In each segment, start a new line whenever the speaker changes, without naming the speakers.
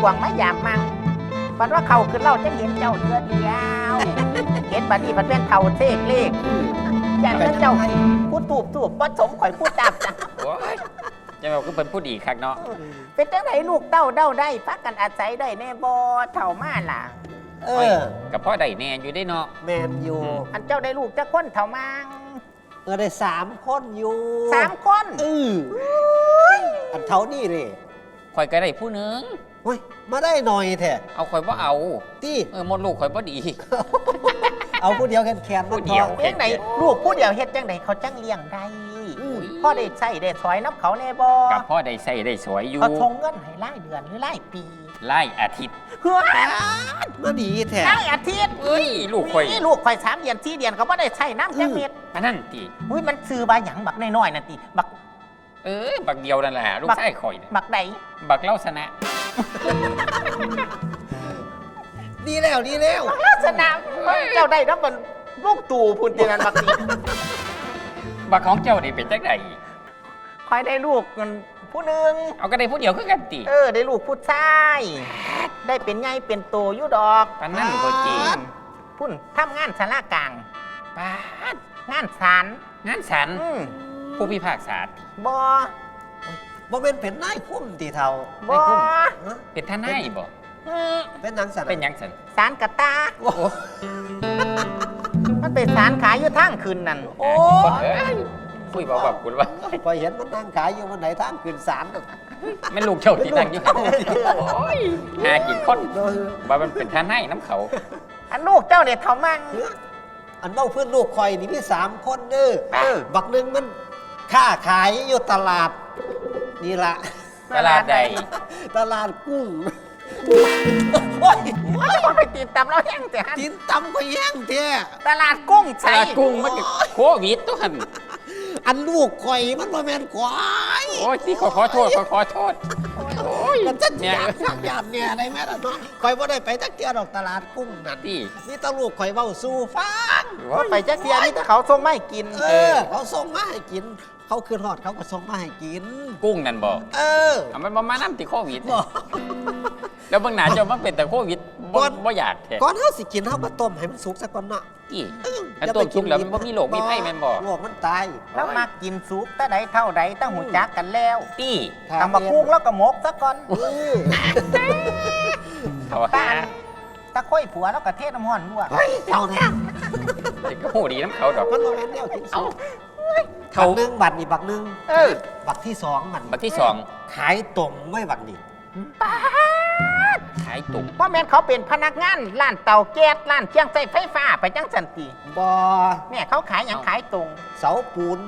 วงมายามมังปันว่าเขาขึ้นเล่าจะเห็นเจ้าเดือเดียวเห็นบัดนี้มันเป็นเท่าเทกเลขอยากจะเจ้าพูดตูบว่าสมข่อยพูดตามจ้ะ
โอ้ยจะบอกก็เป็นผู้ดีคักเนาะ
เป็นจังไหนลูกเต้าเด้าได้พักกันอาศัยได้แน่บ่เท่ามาล่ะ
กับพ่อได้แน่อยู่ได้เนาะ
แมนอยู่
อันเจ้าได้ลูกจะคนเท่ามัง
ได้3 คนอยู่
3 คน
อันเท่านี่เลย
ข่อยก็ได้ผู้หนึง
เฮ้ยมาได้หน่อยแท้
เอาข่อยว่าเอา
ตี้
หมดลูกข่อยบ่ดี
เอาผู้เดียวแคนๆ
ผู้เดียว
เฮ็ดจังไหนลูกผู้เดียวเฮ็ดจังไหนเขาจังเลี้ยงได้พ่อได้ใช้ได้สอยน้ำเขาแน่บ่
กับพ่อได้ใส่ได้สวยอยู่
เขาทงเงินให้รายเดือนหรือรายปี
ไล่อาทิตย์
เฮ้ย
มาดีแท้
รายอาทิตย์
เอ้ยลูกข่อย
นี่ลูกข่อย3 เดือน4 เดือนเขาบ่ได้ใช้น้ำจังเม็ด
อันนั้นติ
อุ้ยมันซื้อบาหยังบักน้อยๆนั่นติบัก
บักเดียวนั่นแหละลูกชายข่อยน่ะ
บักใด
บักเล่าชนะ
ดีแล้ว
ลักษณะเจ้าได้รับมันลูกตู่พุ่นตินันบักนี้
บักของเจ้านี่เป็นจังได
คอยได้ลูกมันผู้หนึง
เอาก็ได้ผู้เดียวคือกันติ
ได้ลูกผู้ชายได้เป็นไงเป็นโตอยู่ดอก
ปานนั้นบ่จริง
พุ่นทำงานศาลากลาง
ปาด
งานศาล
งานสันผู้พิพากษา
บ่
บ่เป็นเป็นนายคุ้มตีเท่า
บ่
เป็นทนายบ่
เป็นหนังสัน
เป็นหยังสัน
ศาลกะตามันเป็นศาลขายอยู่ทางคืนนั่น
โอ้
เอ้ยคุยบอกแบบคุณว่า
พอเห็นมันนั่งขายอยู่วันไหนทางขึ้นศาลน่ะ
แม่นลูกเจ้าที่นั่งอยู่โอ้ยหากินคนว่ามันเป็นทนายน้ำเขา
อันลูกเจ้าเนี่ยเท่ามั่ง
อันเบ้าเพื่อนลูกคอยนี่มี3 คนเด้อบักหนึงมันค้าขายอยู่ตลาดนี่ละ
ตลาดใด
ตลาดกุ้งโอ้ย
ว่าไปตีนตำเราแห้งแต่ฮัน
กินตำก็แย่งเท้
ตลาดกุ้ง
ต
ใช่
ลาดกุ้งมันก็โควิดตัวหัน
อันลูกคอยมันบ่แม่นควาย
โอ้ยที่ขอโทษขอโทษโอ้ย
มันจะ
เนี่ย
อยากเนี่ยได้แม่ล่ะเนาะคอยบ่ได้ไปจักเที่ยวดอกตลาดกุ้งนั่น
ที่
นี่ตาลูกคอยเว้าสู่ฟัง
ว่าไปจักเทียนี่แต่เขาส่งไม่กิน
เขาส่งมาให้กิน เขาคืนฮอดเขาก็ส่งมาให้กิน
กุ้งนั่นบอก
เอา
มันมาน้ำติดโควิด
บ่
แล้วบางหนาเจ้ามันเป็นแต่โควิดบ่อยากแท้
ก่อนเฮาสิกินเฮามาต้มให้มันสุกซะก่อนเนาะ
ที่อันต้มชุบแล้วมันบ่มีโรคมีไข้แม่นบ่
โรคมันตาย
แล้วมากินซุปแต่ใดเท่าใดตั้งหูจักกันแล้ว
ที่
ทำมากุ้งแล้วก็หมกซะก่อน
เขา
ตา
หา
ตะค่อยผัวแล้วก็เทศน้ำห้อนลวก
เฮ้ยเท่าแท้
เด็กก็หูดีน้ำเขาดอก
มันบ่แม่นแนวกินสุก
เขา
บักหนึงบัดนี่บักหนึง บักที่2มัน
บักที่สอง
ขายตรงไว้บักนี่
ขายตุก
เพราะแม่นเขาเป็นพนักงานร้านเตาแก๊สร้านเครื่องใช้ไฟฟ้าไปจังสันติ
บ่
เนี่ยเขาขายอย่างขายตรง
เสาปูน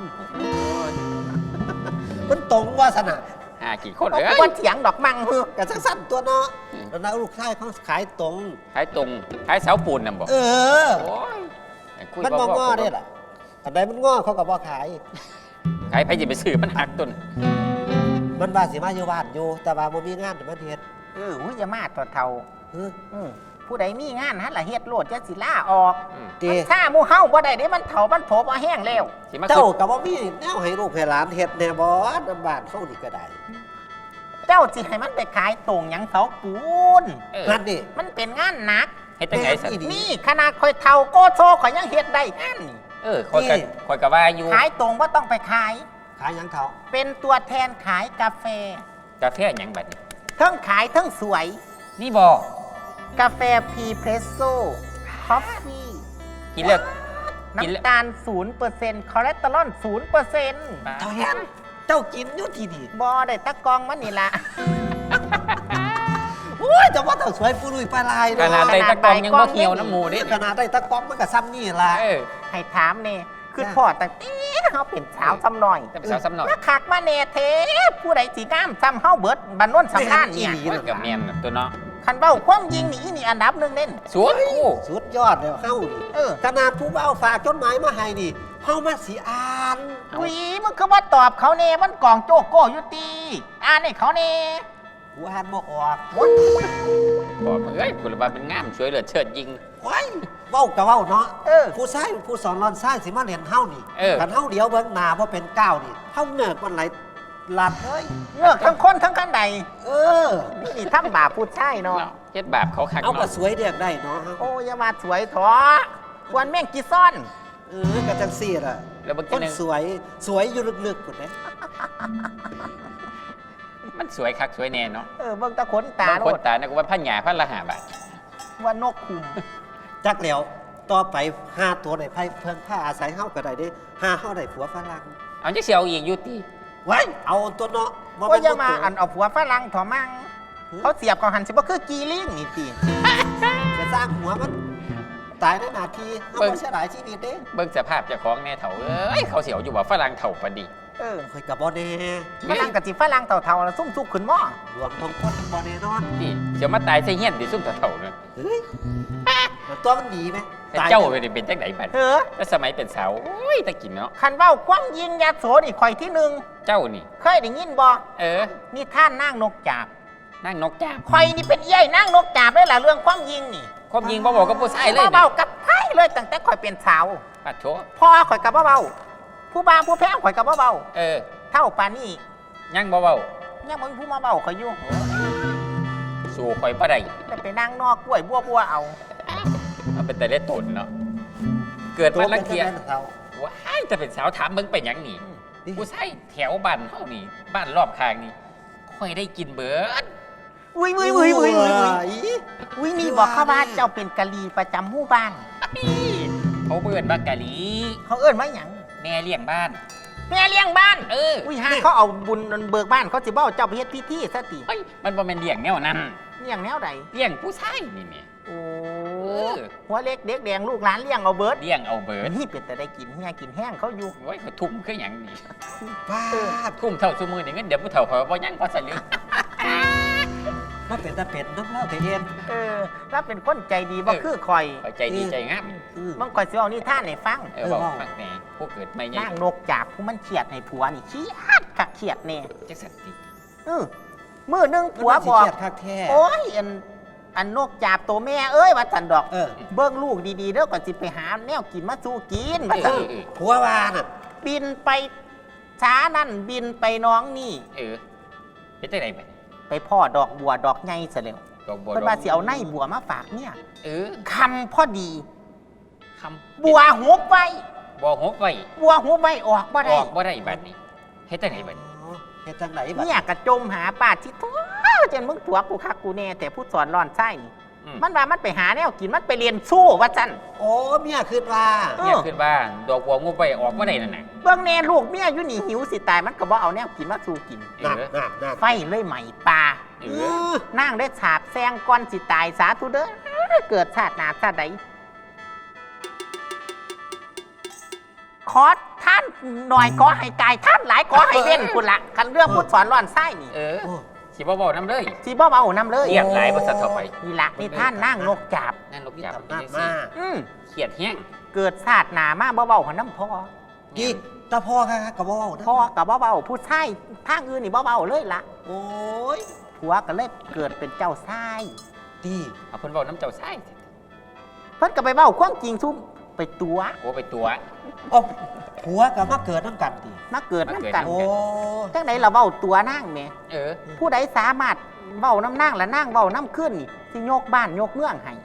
มันตรงว่าสนะ
หากี่คน
เขา
เลย
ก็เถียงดอกมังเฮือก
กะสั้นๆตัวเนาะแล้วนะลูกชายเขาขายตรง
ขายตรงขายเสาปูนน่ะบอก
เออ
โอ้ยคุย
มันบ่ง้อได้ล่ะอันใดมันง้อเขาก็บ่ขาย
ขายไปจะไปซื้อมันหักต้น
มันว่าสิมาอยู่บ้านอยู่ แต่ว่าบ่มีงานแต่มันเฮ็ด
อุ้ยอย่ามาตัวเท่า
เออ
ผู้ใดมีงานฮะล่ะเฮ็ดโลดจะสิล่าออก
เต
มันถ้าหมู่เฮาบ่ได้เด้มันเฒ่ามันโถบ่แห้งแล้ว
สิมา
เจ้า
ขึ้น
ก็บ่มีแนวให้ลูกให้หลานเฮ็ดแน่บ่นำบ้านเขานี่ก็ได้
เจ้าสิให้มันไปขายตรงหยังเสาปูน
นั่นนี่
มันเป็นงานหนัก
ให้ตั้งไงสัน
นี่ขนาดคอยเฒ่าโกโซข่อยยังเฮ็ดได้งานนี่
คอยกับว่าอยู่
ขายตรงบ่ต้องไปขาย
ขายหยังเขา
เป็นตัวแทนขายกาแฟ
กาแฟหยังบัดนี้
ทั้งขายทั้งสวย
นี่บอก
กาแฟพรีเพรสโซ่คอฟฟี่
กินเลิกกินเลิก
น้ำตาล 0%คอเลสเตอรอล 0%
เท่าแฮมเจ้ากินอยู่ที่นี่
บอได้ตะกองมันนี่ละ
โอ้ยแต่ว่าเจ้าสวยปุรุยปลาลาย
ขนาด
เนาะ
ใดตะกองยังบ่เหี่ยวน้ำหมูเด้
ขนาดได้ตะกร้องมันก็ซ้ำนี่ล่ะ
ให้ถามเนี่ยคือพ่อตั้งแต่เขาเป็นสาวซ้ำหน่อย
จะเป็นสาวซ้ำหน่อย
มาคักมาเนเทผู้ใดสีงามซ้ำเฮาเบิดบันนวนสำคัญเนี่ย
แม่นอีหลี
กับเมียนตัวเนาะ
คันเบ้าความยิงนี่อันดับหนึ่งเน่น
สวนคู่
สุดยอดเลยเฮานี่ ขนาดผู้เบาฝากจดหมายมาให้นี่เฮามาสิอ่าน
วิมึงคือว่าตอบเขาเน่มันกล่องโจโก้อยู่ตีอ่านให้เขาเน่
กูอ่านบ่ออก
บอกคุณว่าเป็นงามสวยเหลือเชิดยิง
โอ้ยเว้าก็เว้าเนาะ
เออ
ผู้ชายผู้สอนรอนชายสิมาเรียนเฮานี่
เออ
คันเฮาเดียวเบิ่งหน้าบ่เป็นก้าวนี่เฮาเนิกมันไหลหลัดเอ้ย
เงือกทั้งคนทั้งกันใด
เออ
นี่ทำบาปพูดใช่เนาะ
เนาะเฮ็ดบาปเขาคัก
เอากระ
เนาะ
สวยเรียกได้เนาะ
โอ้อยามาสวยถอควรแม่งกีซ่อน
กระจังซี่ล่ะ
แล้วเมื่อ
ค
กี้
น
นึง
สวยสวยอยู่ลึกๆคนนี้
มันสวยคักสวยแน่เนาะ
เบิ่งตะขนตา
บาง
โล
คน
ด
ตานะก็ว่าพันหยาพันละ5 บาท
ว่านกคุม
จักแล้วต่อไป5ตัวในไพ่เพิ่นผ้าอาศัยเฮาก็ได้เด้5เฮาได้ผัวฝรั่ง
เอาจักสิเอาอีกอยู่ติ
ไว้เอาตัวเนาะบ่
ว่า
เป็น
อย่ามา
ตัว
อันเอาผัวฝรั่งถอมั่งเขาเสียบกับหันสิบ่คือกีลิงนี่ติ
จะสร้างหัวมันตายในนาทีเฮาบ่เสียดายชีวิตเด้
เบิ่งสภาพเจ้าของแน่เฒ่าเอ้ยเขาสิเอาอยู่ว่าฝรั่งเฒ่าปานดี
ข่อยก็บ่แน่
ฝรั่งกับสิฝรั่งเท่าๆแล้วซุ่มซุกขึ้นหม้อ
รวมทั้งคนบ่แน่นอน
นี่เดี๋ยวมาตายใส่เฮียนดิซุ่มเฒ่าๆนั่น
เฮ้ยมันตัวมันดีไหม
แต่เจ้าเป็นจังไดบัด
เออ
แต่สมัยเป็นสาวโอ้ยตะกินเนาะ
คันเว้าความยิงยาโสนี่ข่อยที่หนึ่ง
เจ้านี่
เคยได้ยินบ่
เออ
นี่ท่านนางนกจาบ
นั่งนกจาบ
ข่อยนี่เป็นเอี้ยนางนกจาบได้ล่ะเรื่องความยิงนี่
ความยิงบ่บอกกับผู้ชายเลย
เบาๆกับไพ่เลยตั้งแต่ข่อยเป็นสาว
ปัดโช
พ่อข่อยกับเบาๆผู้บ่าวผู้แพ้ข่อยกับเบา
เออ
ๆเท่าปานนี้
ยังบ่เว้า
ยังบ่มีผู้มาเบาข่อยอยู่
สู่ข่อยบ่ได้
แต่ไปนั่งนอกกล้วยบัวเอา
มันเป็นแต่เล็ดตนเนาะเกิด
ตัว
มา
มั
ลั
น
ง
จะ
เกียจ
เป็นเขา
ว้ายจะเป็นสาวถามมึงเป็นหยังนี่ผู้ชายแถวบ้านเฮานี่บ้านรอบข้างนี่ค่อยได้กินเบิด
อุ้ยนี่บอกเขาว่าเจ้าเป็นกะลีประจำหมู่บ้าน
เขาเบิ่นว่ากะหลี
เขาเอิ้นว่าหยัง
แม่เลี้ยงบ้าน
แม่เลี้ยงบ้าน
เออ
อุ้ยหาเขาเอาบุญเบิกบ้านเขาสิบ่เอาเจ้าไปเฮ็ดพิธีซะติ
เฮ้ยมันบ่แม่นเลี้ยงแนวนั้น
เลี้ยงแนวใด
เลี้ยงผู้ชายนี่แม่
โอ้
อ
หัวเล็กเด็กแดงลูกหลานเลี้ยงเอาเบิด
เลี้ยงเอาเบิด
นี่เป็นแต่ได้กินเฮียกินแห้งเขาอยู่
โอ้ยเขาทุ่มคือหยังนี่
ป้าด
ทุ่มเท่าซุมือนี่เงินเดี๋ยวผู้เฒ่าเขาบ่ยังพอสลึง
มันเป็นตาเป็ดน้ำเล่าแต่เอ็น
แล้วเป็นคนใจดีบ่คือคอย
เขาใจดีใจงาม
บางคอยสิเอานี่ท่านให้ฟัง
เออบอกฟังแหน่ผู้เกิดไม่ใหญ่
นางนกจาบผู้มันเขียดให้ผัวนี่เขียดคักเขียดแน่
จักสันติ
มื้อหนึงผัวบอก
มันน่าสิเครียดคักแท้
โอ้ยอันนกจาบตัวแม่เอ้ยว่าสันดอก
เออ
เบิ่งลูกดีๆเด้อก่อนสิไปหาแนวกินมาสู้กิน
เอ
ว่า
อ
ซั่น
เออ
ผัววาน่ะ
บินไปช้านั่นบินไปน้องนี่
เออเฮ็ดจังได๋บัด
ไปพ่อดอกบัวดอกใหญ่ซะแล้ว
ดอกบัว
เพิ่นว่าสิเอาในบัวมาฝากเนี่ย
เออ
คำพอดี
คำ
บัวหุบไว้
บัวหกไว้
บัวหุบไว้ออกบ่
อ
ได้
อกบ่ได้บัดนี้เฮ็ดจังไดบัดนี้
อ๋อเฮ็ดจังไหนบัด
เนี่ยกระจมหาป้าที่ตัวจนมึงตัวกูคักกูแน่แต่ผู้สอนร้อนไส้นี่
อืม
มันว่ามันไปหาแนวกินมันไปเรียนสู้ว่าจัน
โอ้เมียคืนว่า
เนี่ยขึ้นบ้านดอกบัวงูไปออกบ่ได้นั่นน่ะ
เบื้องแน่ลูกเมียอยู่นี่หิวสิตายมันก็บ่เอาแนวกินมาสู้กิน
เอ
นั่น
อ
นั่น
ไฟเลยใหม่ปลา
เอ
เอ
อ
อ
นั่งได้ฉาบแซงก่อนสิตายสาธุเด้อเกิดชาติหน้าชาติใดขอท่านหน่อยขอให้กายท่านหลายขอให้เว้นคุณละคันเรื่องผู้สอนร้อนไส้นี่
เออ
โอ้
สิบ่เว้านำเลย
สิบ่เอาน้ำเลย
เรียกหลายบ่สัตว์เข้าไป
นี่ละนี่ท่านนั่งนกจับ
นั่นนก
มี
จับ
ตำนาน
จังซี่
มา
เครียดแฮง
เกิดชาติหนามาเบาๆหัวน้ำพอ
กี่ตาพ่อค่ะกับพ่อนะ
พอกับเบาๆผู้ชายทางอื่นนี่เบาๆเลยละ
โอ้ย
ผัวก็เลยเกิดเป็นเจ้าชาย
ดี
เอาเพิ่นเว้าน้ำเจ้าชาย
เพิ่นก็ไปเบาความจริงซุ่มไปตัว
โอ้ไปตัว
โอ้ผัวกับมาเกิดน้ำกันดี
มาเกิดน้ำกัน
โอ้
จังไหนเราเบาตัวนั่งแหม่
เออ
ผู้ใดสามารถเบาน้ำนั่งและนั่งเบาน้ำขึ้นนี่สิยกบ้านยกเมืองให้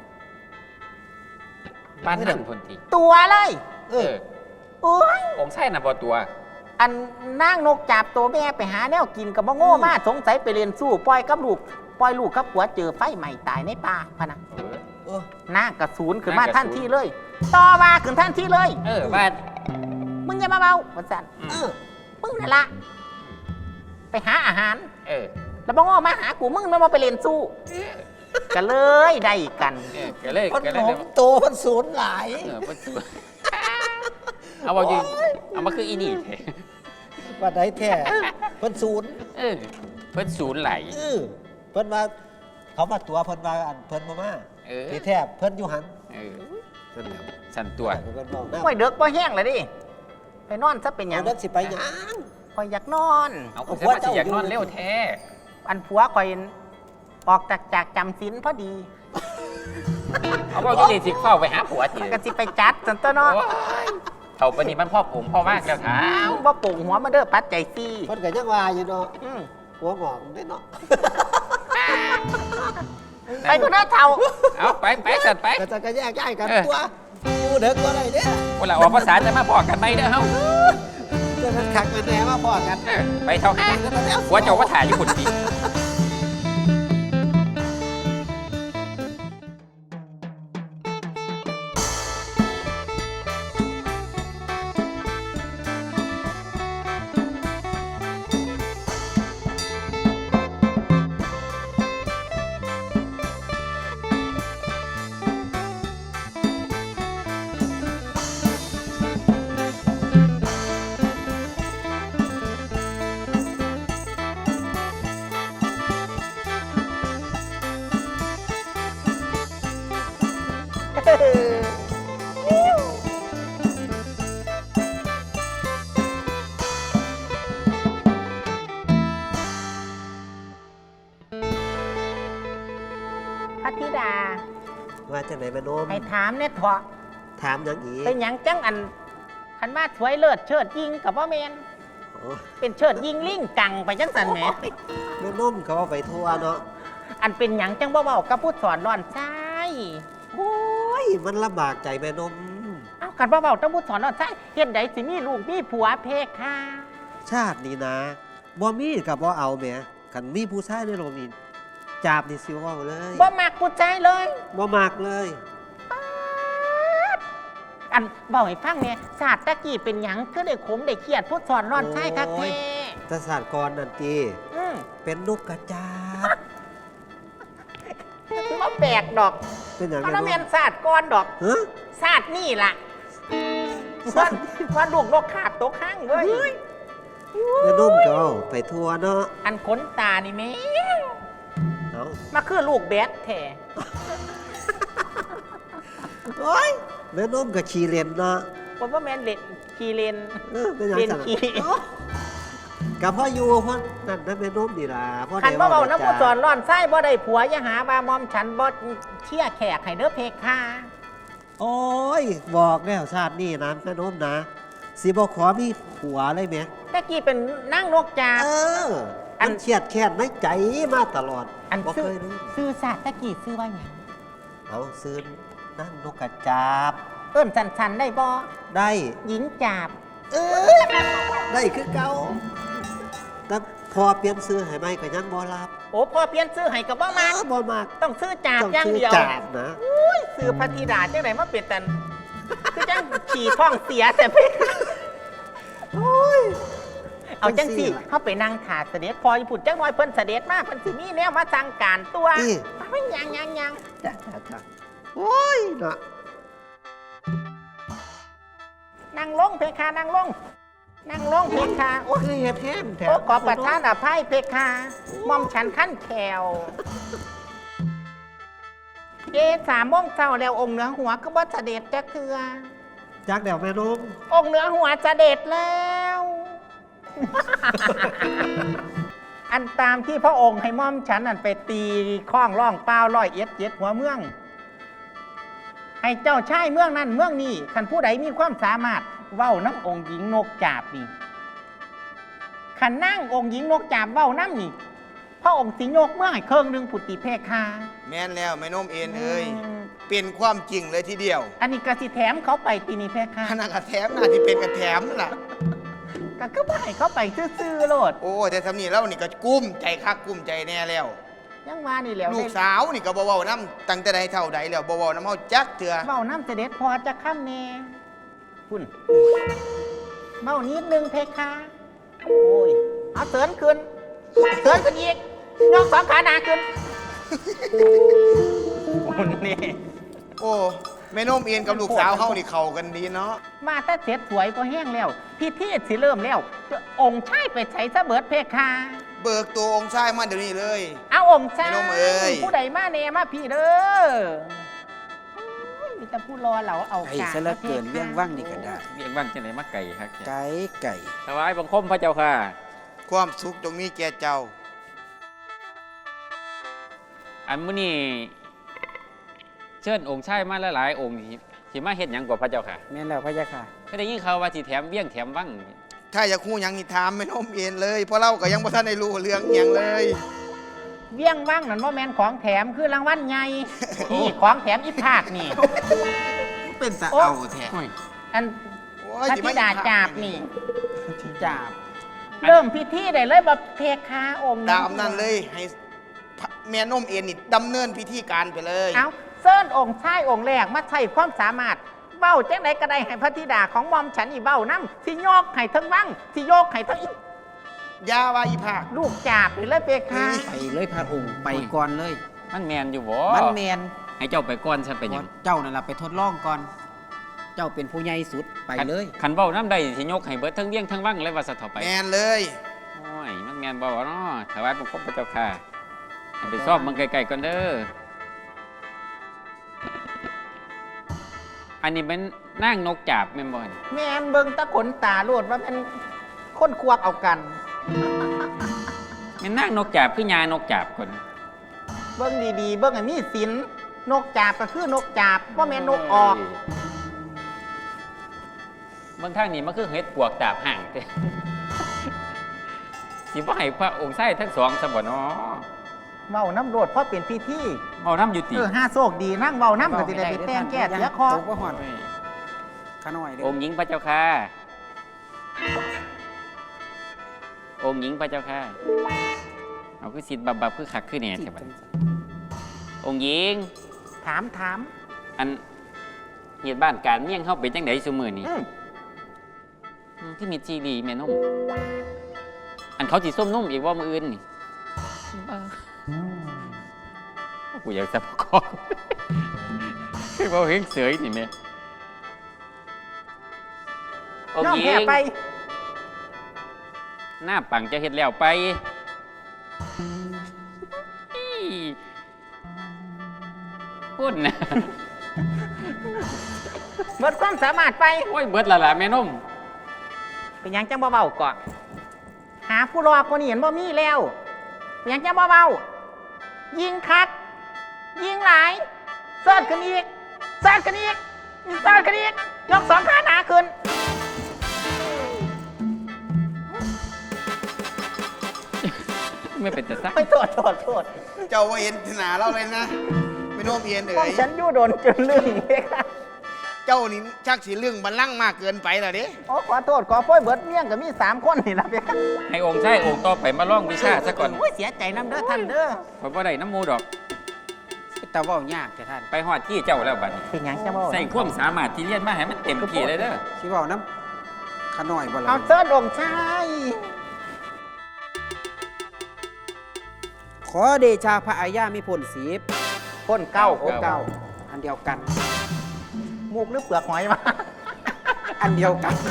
บ้านนั่นพุ่นติ
ตัวเลย
เออ
โอ้ย
องค์ชายน่ะบ่ตัว
อันนั่งนกจับตัวแม่ไปหาแนวกินกับบ่โง่มาสงสัยไปเรียนสู้ปล่อยกับลูกปล่อยลูกกับผัวเจอไฟใหม่ตายในป่าพะนะ
เออ
โอ้
นั่งกระสูนขึ้นมา
นั่งกระสูน
ท่านที่เลย ต่อมาขึ้นท่านที่เลย
เออบ้าน
มึงอย่ามาเบาว่าสั่น
เออ
มึงนั่นละไปหาอาหาร
เออ
แล้วบ่ง้อมาหากูมึงไม่มาไปเรียนสู้ก็เลยได้กัน
เออก็เลย
มัน
ก็เลย
หอมโตมันสูญหลาย
เออบ่ตัวเอาบ่อยู่เอามาคืออีนี่แท้
ว่าไหนแท้เพิ่นสูญ
เออเพิ่นศูนย์ไหล
เออเพิ่นมาเขามาตัวเพิ่นมาอันเพิ่นมามา
เออ
ที่แท้เพิ่นอยู่หัน
เออ
นั่นแหละ
สั่นตัว
เพิ่นบอกนะ
ไม่เด็กบ่แห้งเลยดิไปนอนซะเป็นหยั
เอา
ง
เด็กสิไปหยัง
คอยอยากนอน
เอาคนจะมาสิอยากนอนเร็วแท้
อันผัวคอยออกจากจำศีลพอดี
เอาบ่อยู่นี่สิเข้าไปหาผัวติ
ก็สิไปจัดสันตัวเนาะ
โอ้ยเท่าปานนี้มันพ่อผมพ่อมากแล้วถา
อ้าวบ่ปรุงหัวมาเด้อปัดใจซี่
เพิ่นก็ยังว่าอยู่เนาะ
อืม
หัวงอกได้เนาะ
ไปก็น่าเท่า
เอาไปสัตว์ไป
ก็จะก็แยกย้ายกันตัวอยู่เด็กตัวอะไรเนี่ย
เวลาออกภาษาจะมาบอกกันไหมเด้อเฮา
เจอกันขักกันแหน่มาพอกัน
ไปเท่าห้าหัวเจ้าว่าถ่ายอยู่คนดี
พระธิดา
ว่าจังไหนแม่นม
ให้ถามเนี่ยเถาะ
ถามหยังอีก
เป็นหยังจังอันคันว่าสวยเลิศเชิดยิงกับว่าแมน
โอ้
เป็นเชิดยิงลิงกังไปจังสันแหม
แม่นมเขาเอาไปทั่วเนาะ
อันเป็นหยังจังบ่เว้ากับผู้สอนร้อนใจ
โอ้ยมันลำบากใจแม่นม
เอากันบ่เว้ากับผู้สอนร้อนใจเฮ็ดใดสิมีลูกมีผัวเพคะ
ชาตินี้นะบ่มีกับบ่เอาแหมคันมีผู้ชายในโลกนี้จับนี่สิเว้าเลย
บ่มักผู้ใจเลย
บ่มากเลย
อันเว้าให้ฟังเนี่ยศาสตร์ตะกี้เป็นหยังคือได้ขมได้เครียดผู้สอนร้อนใจคักแท้
แต่ศาสตร์กรนั่นตี
อืม
เป็นนกกระจาบ
บ่แปลกดอก
เป็นอย่าง
เพราะ
แม่
นั่น
น
แม่น
ม
ศาสตร์ก่อนดอก
ฮะ
ศาสตร์นี่ล่ะว่าลูกนกขาบตกข้างเว้ย
แม่นมก็เอาไปทั่วเนาะ
อันขนตานี่แม่
เอา
มาคือลูกแบดแท้
โอ้ยแม่นมก็ขี่เล่นเนาะ
คนว่าแม่นเล่นขี่เล่น
เป็นอย่าง
เล่น
สั่น
ขี่
กับพ่ออยู่พ่อนั่นนั่นแม่นมนี่ล่ะพ่อ
คันบ่เบาน้ำผู้สอน
จ้า
ร้อนไส้บ่ได้ผัวอย่าหาบามอมฉันบ่เชี่ยแขกให้เด้อเพคะ
โอ้ยบอกแล้วชาตินี้นะแม่นมนะสิบ่ขอมีผัวเลยแหม
ตะกี้เป็นนั่งนกจาบ
เออ
อั
มัน นเครียดแค้นในใจมาตลอด
อัน
บ่
ซื้
เค
อย
รู้
ซื้อศาสตร์ตะกี้ซื้อว่าหยัง
เอาซื้อนั่งนกกระจาบ
เอิ้นสันๆได้บ่
ได้
หญิงจาบ
เออได้คือเก่าแต่พอเปลี่ยนซื้อให้ไหมก็ยังบ่รับ
โอ้พอเปลี่ยนซื้อให้ก็บ่มา
บ่มาก
ต้องซื้อจาบ
ต้อง
อย่าง
ซื้อ
เดียว
จาบนะ
ซื้อพระธิดาจังไดมาเป็นตันคือจังขี่ท้องเสียแต่เพคะ
โอ้ย
เอาจังสิเข้าไปนั่งถาเสด็จพอญี่ปุ่นจังน้อยเพิ่นเสด็จมากเพิ่นสิมีแนวมาสั่งการตัวไม่ยัง
จ้าโอ้ยเนาะ
นั่งลงเพคะนั่งลงนั่งลงเพคะโอ้
คือเฮ็ดแทนแถ
โอ้ขอประทานอภัยเพคะมอมฉันขั้นแขว3 โมงเช้าแล้วองค์เหนือหัวก็บ่เสด็จจักเทื่อ
จักเดี๋ยวแม่นม
องค์เหนือหัวเสด็จแล้ว อันตามที่พระองค์ให้ม่อมฉันอันไปตีข้องร่องเปล่า101หัวเมือง ให้เจ้าชายเมืองนั้นเมืองนี้คันผู้ใดมีความสามารถเว้าน้ำองค์หญิงนกจาบนี่คันนั่งองค์หญิงนกจาบเว้าน้ำนี่พระองค์สิโยกเมืองให้เครื่องหนึงผุติเพคา
แม่นแล้วแม่นมเอ็นเอ้ยเป็นความจริงเลยทีเดียว
อันนี้กสิแถมเขาไปตีนี่เพคา
ขนาดกระแถมน่าที่เป็นกระแถมนั่นล่ะ
ก็คือบ่ให้เขาไปซื่อๆโลด
โอ้แต่สำนีแล้วนี่ก็กุ้มใจคักกุ้มใจแน่แล้ว
ยังว่านี่แหล้ว
ลูกสาวนี่ก็บ่เว้าน้ำตั้งแต่ใดเท่าใดแล้วบ่เว้าน้ำเฮาจักเถื่อ
เบ้าน้ำเสด็จพอจะข้ามแน่คุณเบ้านิดนึงเพคะโอ้ยเอาเตือนขึ้นเตือนขึ้นอีกยก2 ขาหนาขึ้นคุณนี่
โอ้แม่นมเอ็นกับลูกสาวเฮานี่เข้ากันดีเนาะ
มาถ้าเสร็จสวยก็แห้งแล้วพี่เทศสิเริ่มแล้วองค์ชายไปใช้ซะเบิดเพคะ
เบิกตัวองค์ชายมาเดี๋ยวนี้เลย
เอาองค์ชาย
แม่นมเอ้ย
ผู้ใดมาแน่มาพี่เด้อโอ้ยมีแต่ผู้รอเราเอา
ไก่ซะเหลือเกินเรื่องว่างนี่ก็ได้
เรียกว่างจังไหนมาไก่ครับ
ไก่ไก่
ถวายบังคมพระเจ้าค่ะ
ความสุขจงมีแก่เจ้า
อันมื้อนี้เชิญองค์ชายมาหลายๆองค์ที่สิมาเฮ็ดหยังกว่าพระเจ้าค่ะ
แม่นแล้วพระยาค่ะ
ก็ได้ยินข่าวว่าสิแถมเบี้ยงแถมวัง
ถ้าอยากคู่หยังนี่ถามแม่นมเอ็นเลยเพราะเราก็ยังบ่ทันได้รู้เรื่องหยังเลย
เวียงว่างนั่นว่าแมนของแถมคือรางวัลใหญ่นี่ของแถมอีภาคนี่
เป็นตะเอาแท้
อัน
โอ้
พ
ย
ระ
สิ
ธิ
มา
ดาจาบนี่
จาบ
เริ่มพิธีได้เลยแบบเพคาองค์
ตามนั้นเลยให้แม่นมเอ็นนี่ดำเนินพิธีการไปเลย
เอาเซิ้นองค์ชายองค์แรกมาใช้ความสามารถเบ้าจังไดก็ได้ให้พระธิดาของมอมฉันอีเบ้าน้ำที่โยกให้ทั้งวังที่โยกให้ทั้งอี
ยาว่าอีภาค
ลูกจาบนี่เลยเพคา
ไปเลยพระองค์ไปก่อนเลย
มันแม่นอยู่บ่
มันแมน
ให้เจ้าไปก่อนฉันเป็นหยัง
เจ้านั่นล่ะไปทดลองก่อน เจ้าเป็นผู้ใหญ่สุดไปเลย
คันเว้าน้ำใดสิยกให้เบิดทั้งเบี้ยงทั้งวังเลยว่าซะเถาไป
แมนเลย
โอ้ยมันแม่นบ่เนาะถวายบังคมพระเจ้าค่ะให้ไปซ่อมมันไกลๆก่อนเด้ออันนี้เป็นนางนกจาบแม่นบ่นี่
แม่นเบิ่งตะขนตาโลดว่าเป็นคนควกเอากัน
แม่นนางนกจาบคือยานกจาบคน
เบิ่งดีๆ เบิ่งให้มีศีลนกจาบก็คือนกจาบว่าแม่นนกออก
เบางทางนี่มันคือเฮ็ดปวกดาบห่างเด้ สิบ่ให้พระองค์ใช้ทั้งสองซะบ่เนาะ
เว้าน้ำโลดเพราะเป็นพิธี
เว้าน้ำอยู่ติ
ห้าโศกดีนั่งเว้าน้ำก็สิได้ไปแต่งแก้เสียคอ
ตกบ่ฮอดขาน้อยเด้
องค์หญิงพระเจ้าค่ะ องค์หญิงพระเจ้าค่ะเอาคือสิทธิ์บับคือคักคือแหน่ใช่บัดองค์หญิง
ถาม
อันเหตุบ้านการเมี่ยงเฮาเป็นจังได๋ซุมื้อนี้ คือมีจีรีแม่นมอันเขาสิส้มนมอีกว่ามื้ออื่นนี่กูอยากจะประกอบ คือว่าเฮงเสยนี่แม่อง
น้อง
ค์หญิ
แพ้
ง
ไป
หน้าปังจะเฮ็ดแล้วไปพูดนะ
เบิดความสามารถไป
โอ้ยเบิดและล่ะแม่นม
เป็นหยังจังเบาๆก่อนหาผู้รอคนนี้เห็นบ่มีแล้วเป็นหยังจังเบาๆยิงคัก ยิงหลายเสิร์ชขึ้นอีกเสิร์ชขึ้นอีกเสิร์ชขึ้นอีกยกสองขาหนาขึ้น
ไม่เป็นแต่ซัก
ไม่โทษ
เจ้าว่าเห็นหนาเราเลยนะแม่นมเอ็น
พว
เอ๋
ก
ย
ฉันยู่โดนจนลืมเลยค่ะ
เจ้านี่ชักสิเรื่องบัลลังก์มากเกินไปแล้วเด้
โอ้ขอโทษขอโพยเบิดเมี่ยงกับมี3 คนนี่ล่ะเพียค่ะ
ให้องค์ใช้องค์ต่อไปมาล่องวิชาซะก่อน
โอ้ยเสียใจน้ำเด้อท่านเด้อ
เพราะว่าได้น้ำหมูดอก
แต่เว้ายากแต่ท่าน
ไปฮอดที่เจ้าแล้วบัดนี้
เป็นหยังจังเบา
ใส่ความสามารถที่เรียนมาให้มันเต็มที่เลยเด้อ
สิเว้าน้ำขาน้อยบ่ล่ะ
เอาเสิร์ชองค์ชาย
ขอเดชาพระอาญามีผลสีบ
คนเก้า
องค์เก่าอันเดียวกัน
มูกหรือเปลือกหอยมา
อันเดียวกัน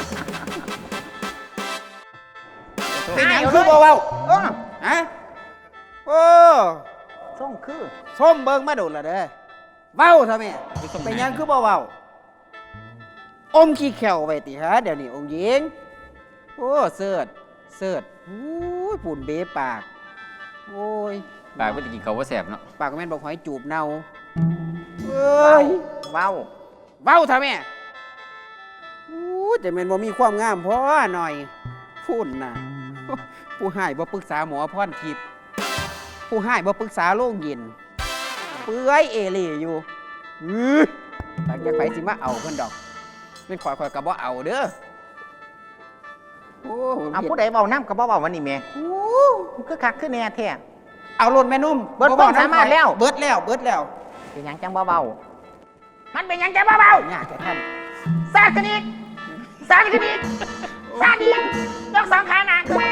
เป็นหยัง
คือบ่เว้า
เออ
ฮะโอ้
ส่งคือ
ส้มเบิ่งมาโดนละเด้อเว้าซะแม่เป็นหยังคือบ่เว้าอมขี้แขวไว้ติฮะเดี๋ยวนี้องค์หญิงโอ้เสิร์ชโอ้ยปุ่นเบปากโอ้ย
ปากไม่ได้กินเขาวว่าแสบเนาะ
ปากแม่นบอกหอยจูบเน่าเอ้ย
เว้า
เว้าทำแม่อู้แต่แม่นบ่มีความงามพอหน่อยพูดน่ะ ผู้ให้บ่ปรึกษาหมอพรทิพย์ผู้ให้บ่ปรึกษาโรงเย็นเปื่อยเอเล่อยู่หลังจากไผสิมาเอาเพิ่นดอกเป็นข่อยก็บ่เอาเด้อโอ้
เอาผู้ใดเบาน้ำกับเบาวันนี้แม่คือคักคือแน่แท้
เอารถแม่นุ่ม
เบิดความสามารถแล้ว
เบิดแล้ว
เป็นหยังจังเบามันเป็นหยังจังเบา
ยากแต่ท่าน
ซาดกันอีกซาดกันอีกซาดอีกยก2 ขาหนาขึ้น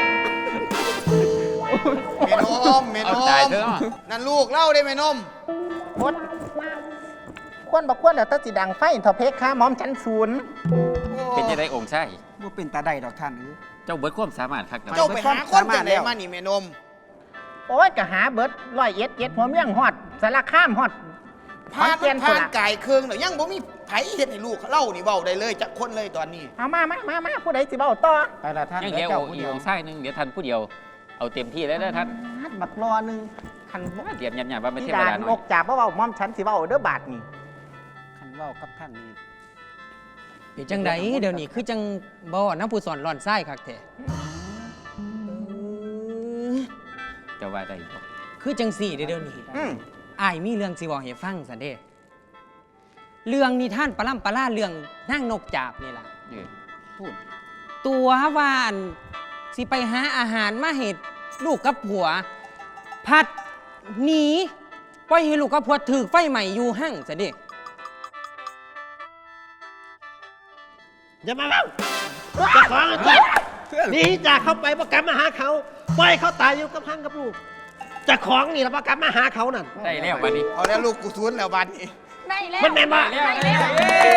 แม่น
เอา
ม
ตายเถอะ
นั่นลูกเล่าได้แม่นม
หมดควรบักควรแล้วแตสิดังไฟเถอเพคค่ะหมอมฉันศูนย์
เป็นจะได้องค์ใช่
บ่เป็นตาได้ดอกท่านเอ้ย
เจ้าเบิดความสามารถคักนะ
เจ้าไปหาคนจากไหนมานี่แม่นม
โอ้ยก็หาเบิด101หัวเมี่ยงฮอดสารคามฮอด
ผ่าน
ขอนแก่น
ผ่าน
พุ่นล่ะ
กายเครื่องเดี๋ยวยังบ่มีไผเฮ็ดให้ลูกเล่านี่เว้าได้เลยจักคนเลยตอนนี้
เอามาผู้ใดสิเบาต่อ
ไปละท่าน
ยังเดียว
เจ้า
อี
ผู้
ก
เดียว
องค์ใช่นึงเดี๋ยวท่านผู้เดียวเอาเต็มที่แล้วเด้อท่าน
บักรอหนึงคัน
เตรียมยันๆว่าเป็นเท
ที่
ว
ดา
ดาหน่
น
อย
กจับเบาหมอมฉันสิเบาเด้อบาทนี่
คันเว้ากับท่านนี่เป็นจังไดเดี๋ยวนี้คือจังบ่น้ำผู้สอนร่อนไส้คักแท้
จะว่าได้บ่
คือจังสี่เดี๋ยวนี้
อืม
อ้ายมีเรื่องสิบอกให้ฟังซะเด้เรื่องนิทานปลาล่ำปลาล่าเรื่องนางนกจาบนี่ล่ะ
เออ
พูดตัวว่าอันสิไปหาอาหารมาเห็ดลูกกับผัว พัดหนีปล่อยให้ลูกกับผัวถือไฟใหม่อยู่หั่งซะเด้
อย่ามาเล่าจะขอเงินจ้ะนี่จากเขาไปประกลับมาหาเขาปล่อยเขาตายอยู่กับพังกับลูกจะของนี่แล้วประกลับมาหาเขานั่น
ได้แล้วบัดนี้
เอาแล้วลูกกูทุนแล้วบัดนี้
ได้แล้ว
มันแม่นบ่
ได้แล้ว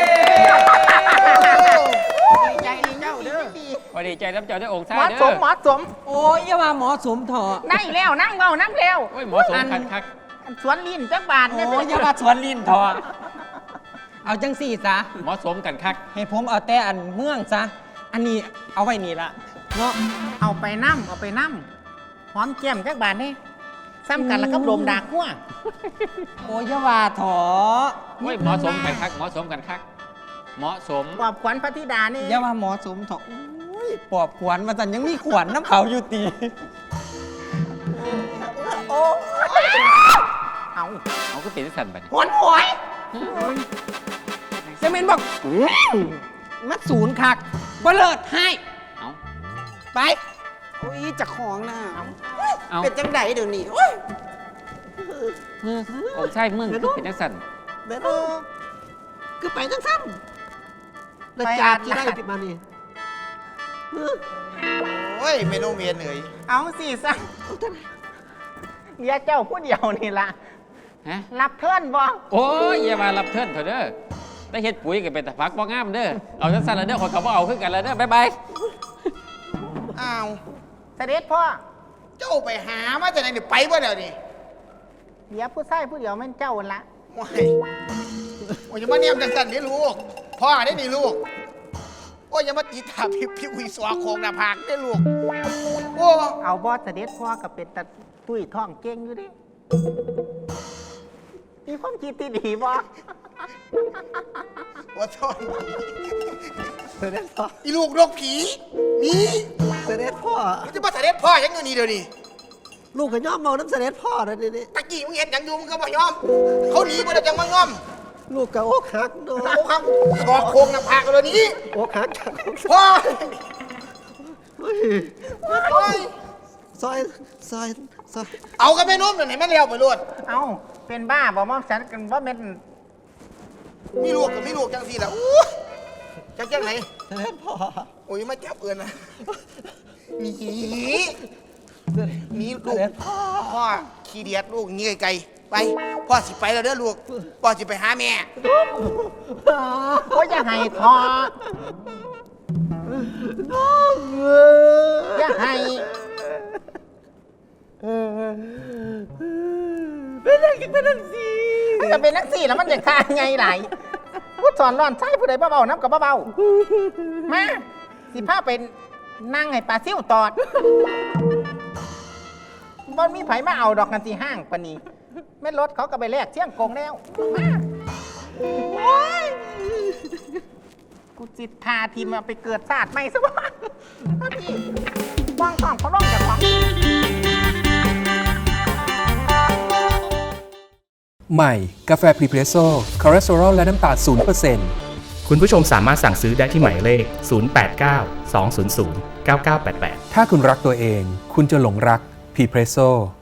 ดีใจดีเจ้าเด้อ
พอดีใจน้ำเจ้าได้องค์
ห
ชาย
มอ
เด้
ส
อ
มหมอสม
โอ้ยอย่าว่าหมอสมเถอะ
ได้แล้วนั่งเบานั่งเร็ว
โอ้ยหมอสมคัก
สวนลิ้นจักบาทเนี่ย
โอ้ยอย่าว่าสวนลิ้นเถอะเอาจังสี่ซะ
ๆหมอสมกันคัก
ให้ผมเอาแต่อันเมืองซะอันนี้เอาไว้นี่ละเนาะ
เอาไปน้ำเอาไปน้ำหอมแก้มจักบาทนี่ซ้ำกันแล้วก็ลมดากหัว
โอ้ยอย่าว่าเถอะ
โอ้ยหมอสมกันคักหมอสมกันคักเหมาะสม
ปอบขวัญพระธิดานี่
อย่าว่าหมอสมเถอะโอ้ยปอบขวัญมาสันยังมีขวัญน้ำเขาอยู่ตี
เอา
เอาก็เป็นสั่นบัดนี้
หวนหวย
เซเมนบอกมัดศูนย์คักบ่เลิศให้
เอา
ไปโอ้ยจะของนะ
เอา
เป็นจังไดเดี๋ยวนี้โอ้ย
องค์ชายมึงคือเป็นจังสั่น
แม่นบ่คือไปจังซ้ำแล้วจาดที่ได้ติดมานี่
โอ้ยเมนูเมียนเอ๋ย
เอาสิซะเดี๋ยวเจ้าผู้เดียวนี่ล่ะ
ฮะ
รับเทิร์นบ่
โอ้ยอย่ามารับเทิร์นเถอะเด้อได้เฮ็ดปุ๋ยก็เป็นแต่พักบ่งามเด้อเอาจังสั่นแล้วเด้อขอยก็บ่เอาคือกันแล้วเด้อบ๊ายบาย
อ้าว
เสด็จพ่อ
เจ้าไปหามาจากไหนเดี๋ยวไปบ่เดี๋ยวนี้
เดี๋ยวผู้ชายผู้เดียวแม่นเจ้าหั่นละ
โอ้ยโอ้ยอย่ามาเนี่ยมจังสันนี่ลูกพ่อได้นี่ลูกโอ้ยอย่ามาตีตาพี่วิศวะโคงหน้าผากได้ลูกโอ้
เอาบอสเสด็จพ่อกับเป็นตะตุ้ยท้องเก่งอยู่ดิมีความคิดที่ดีบ่
ว่าทอน
เสด็จพ่อ
อีลูกนกผีหนี่
เสด็จพ่อ
มันจะมาเสด็จพ่อยังอยู่นี่เดี๋ยวนี้
ลูกก็ย่อมเมาน้ำเสด็จพ่อนะนี่
ตะกี้มึงเห็นหยังอยู่มึงก็บ่ยอม เขาหนีบ่ได้จังมางอม
ลูกก็อกหักเนาะ
เอาครับบอกโคงหน้าผากเลยนี้
อกหักจากของ
พ่อ
เฮ้ย
โอ้ย
ซอยซอยซอย
เอากันไปนุ่มหน่อยไหนมันเลี้ยวไปรวด
เอาเป็นบ้าบ่มอมฉันกันว่าเป็น
มีลูกกับมีลูกจังสิล่ะอู้จังไหน
เสด็จพ่อ
โอ้ยมาจับเอื่นนะหนี
เสด็จ
หนี
เส
ลูก
ด็จพ่อ
พ่อขี้เดียดลูกหนีไกลๆไปพ่อสิไปแล้วเด้อลูกพ่อสิไปหาแม่
โอ้ยอย่าให้ทอ
น้องเอ
อย่าให้
เป็นอะไรกันเป็นอะไรสิ
มันจะเป็นนักสี่แล้วมันจะฆ่าไงไหลพูดสอนร้อนใช่ผู้ใดเบาๆน้ำกับเบาๆมาสิผ้าเป็นนั่งให้ปลาซิ่วตอดบ่มีไผมาเอาดอกกันที่ห้างปะนี้แม่นรถเขาก็ไปแลกเชี่ยงกงแล้วมาโอ้ยกูจิตพาทีมมาไปเกิดศาสตร์ใหม่ซะบ้างพี่ว่างของเขาล่องจากของ
ใหม่ กาแฟพรีเพรสโซ่คอเลสเตอรอลและน้ำตาล0%
คุณผู้ชมสามารถสั่งซื้อได้ที่หมายเลข 089 200 9988
ถ้าคุณรักตัวเอง คุณจะหลงรักพรีเพรสโซ่